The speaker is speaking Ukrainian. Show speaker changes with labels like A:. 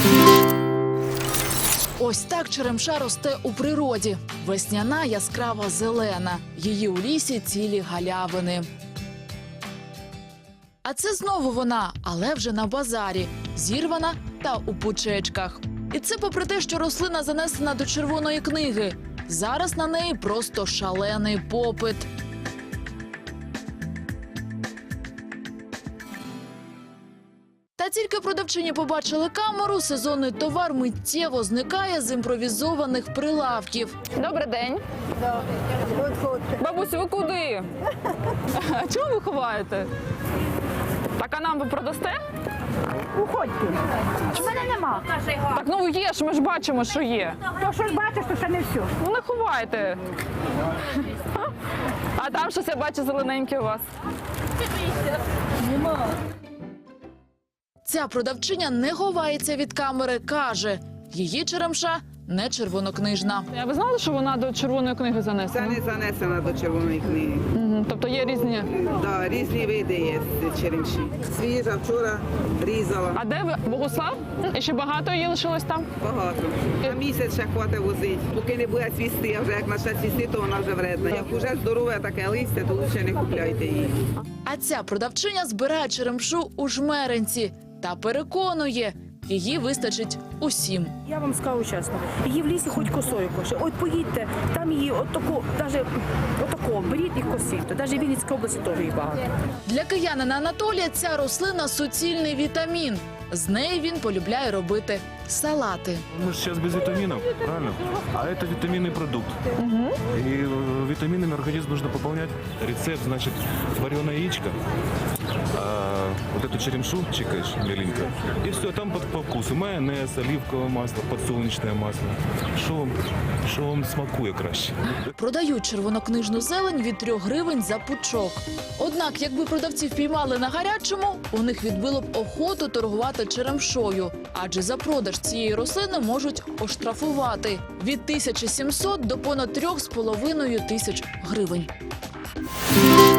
A: Ось так черемша росте у природі. Весняна, яскрава зелена. Її у лісі цілі галявини. А це знову вона, але вже на базарі. Зірвана та у пучечках. І це попри те, що рослина занесена до червоної книги. Зараз на неї просто шалений попит. Та тільки продавчині побачили камеру, сезонний товар миттєво зникає з імпровізованих прилавків.
B: Добрий день. Бабусю, ви куди? А чого ви ховаєте? Так, а нам ви продасте?
C: Уходьте. У мене нема.
B: Так, ну є ж, ми ж бачимо, що є.
C: То, що ж бачиш, то ще не все.
B: Ну не ховайте. А там щось я бачу зелененьке у вас.
A: Ця продавчиня не ховається від камери, каже, її черемша не червонокнижна.
B: А ви знали, що вона до червоної книги
D: Це
B: занесена?
D: не занесена до червоної книги.
B: Тобто є різні.
D: Да, різні види є черемші. Свіжа, вчора різала.
B: А де ви? Богуслав? І ще багато її лишилось там?
D: Багато. На місяць ще хватить возити. Поки не буде цвісти, а вже як почне цвісти, то вона вже вредна. Як уже здорове таке листя, то краще не купляйте її.
A: А ця продавчиня збирає черемшу у Жмеринці та переконує, її вистачить усім.
C: Я вам скажу чесно, її в лісі хоч косою коше. От поїдьте, там її отако, навіть отако, беріть і косіть. Навіть в Вінницькій області теж її багато.
A: Для киянина Анатолія ця рослина – суцільний вітамін. З неї він полюбляє робити салати.
E: Мы же сейчас без витаминов, правильно? А это витаминный продукт. И витаминами организм нужно пополнять. Рецепт, значит, вареное яичко, вот эту черемшу чикаешь меленько, и все, там по вкусу. Майонез, оливковое масло, подсолнечное масло. Що вам смакує краще.
A: Продають червонокнижну зелень від 3 гривень за пучок. Однак, якби продавців піймали на гарячому, у них відбило б охоту торгувати черемшою. Адже за продаж цієї рослини можуть оштрафувати від 1700 до понад 3,5 тисяч гривень.